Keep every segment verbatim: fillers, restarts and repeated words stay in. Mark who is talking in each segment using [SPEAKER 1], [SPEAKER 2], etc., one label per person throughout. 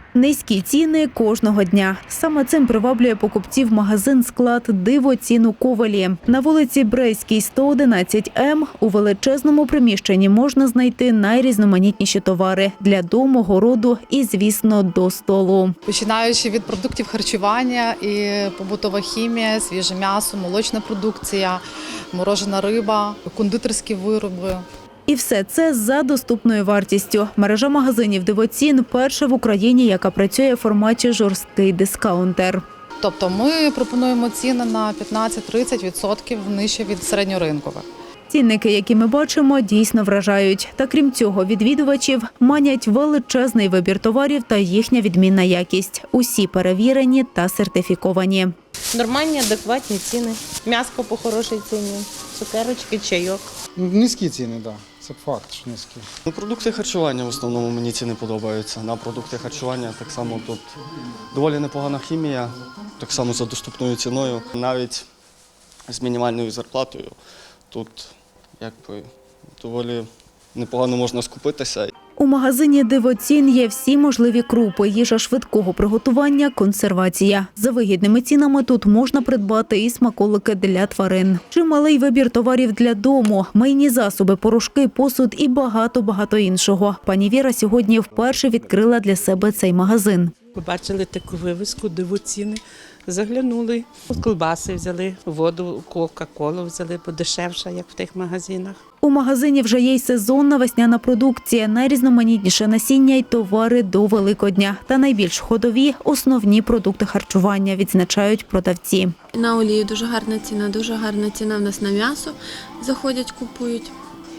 [SPEAKER 1] Низькі ціни кожного дня. Саме цим приваблює покупців магазин «Склад Дивоцін» у Ковелі. На вулиці Брестській, сто одинадцять М у величезному приміщенні можна знайти найрізноманітніші товари для дому, городу і, звісно, до столу.
[SPEAKER 2] Починаючи від продуктів харчування і побутова хімія, свіже м'ясо, молочна продукція, морожена риба, кондитерські вироби.
[SPEAKER 1] І все це за доступною вартістю. Мережа магазинів «Дивоцін» – перша в Україні, яка працює в форматі жорсткий дискаунтер.
[SPEAKER 2] Тобто ми пропонуємо ціни на п'ятнадцять-тридцять відсотків нижче від середньоринкових.
[SPEAKER 1] Цінники, які ми бачимо, дійсно вражають. Та крім цього, відвідувачів манять величезний вибір товарів та їхня відмінна якість. Усі перевірені та сертифіковані.
[SPEAKER 3] Нормальні, адекватні ціни. М'яско по хорошій ціні, цукерочки, чайок.
[SPEAKER 4] Низькі ціни, так. Да. Це факт, що низькі.
[SPEAKER 5] Ну, продукти харчування в основному мені ціни подобаються. На продукти харчування так само тут доволі непогана хімія, так само за доступною ціною. Навіть з мінімальною зарплатою тут якби доволі непогано можна скупитися.
[SPEAKER 1] У магазині «Дивоцін» є всі можливі крупи, їжа швидкого приготування, консервація. За вигідними цінами тут можна придбати і смаколики для тварин. Чималий вибір товарів для дому, мийні засоби, порошки, посуд і багато-багато іншого. Пані Віра сьогодні вперше відкрила для себе цей магазин.
[SPEAKER 6] Побачили таку вивіску «Дивоціни», заглянули, колбаси взяли, воду, кока-колу взяли, подешевше, як в тих магазинах.
[SPEAKER 1] У магазині вже є й сезонна весняна продукція, найрізноманітніше насіння й товари до Великодня. Та найбільш ходові – основні продукти харчування, відзначають продавці.
[SPEAKER 7] На олію дуже гарна ціна, дуже гарна ціна в нас на м'ясо. Заходять, купують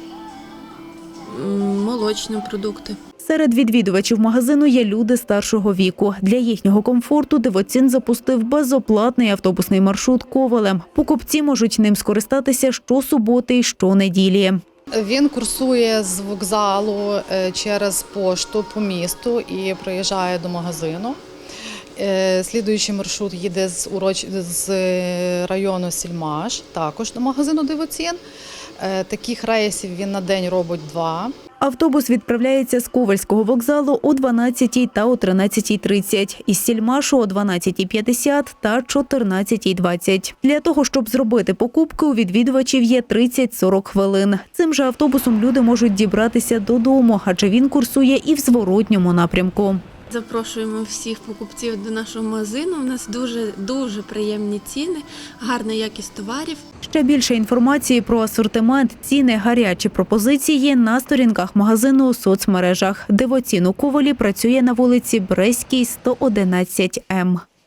[SPEAKER 7] молочні продукти.
[SPEAKER 1] Серед відвідувачів магазину є люди старшого віку. Для їхнього комфорту «Дивоцін» запустив безоплатний автобусний маршрут Ковелем. Покупці можуть ним скористатися щосуботи і щонеділі.
[SPEAKER 2] Він курсує з вокзалу через пошту по місту і приїжджає до магазину. Слідуючий маршрут їде з, уроч... з району Сільмаш, також до магазину «Дивоцін». Таких рейсів він на день робить два.
[SPEAKER 1] Автобус відправляється з Ковельського вокзалу о дванадцятій та о тринадцятій тридцять, із Сільмашу о дванадцятій п'ятдесят та чотирнадцятій двадцять. Для того, щоб зробити покупки, у відвідувачів є тридцять-сорок хвилин. Цим же автобусом люди можуть дібратися додому, адже він курсує і в зворотньому напрямку.
[SPEAKER 7] Запрошуємо всіх покупців до нашого магазину. У нас дуже-дуже приємні ціни, гарна якість товарів.
[SPEAKER 1] Ще більше інформації про асортимент, ціни, гарячі пропозиції на сторінках магазину у соцмережах. «Дивоцін» у Ковелі працює на вулиці Брестській, сто одинадцять М.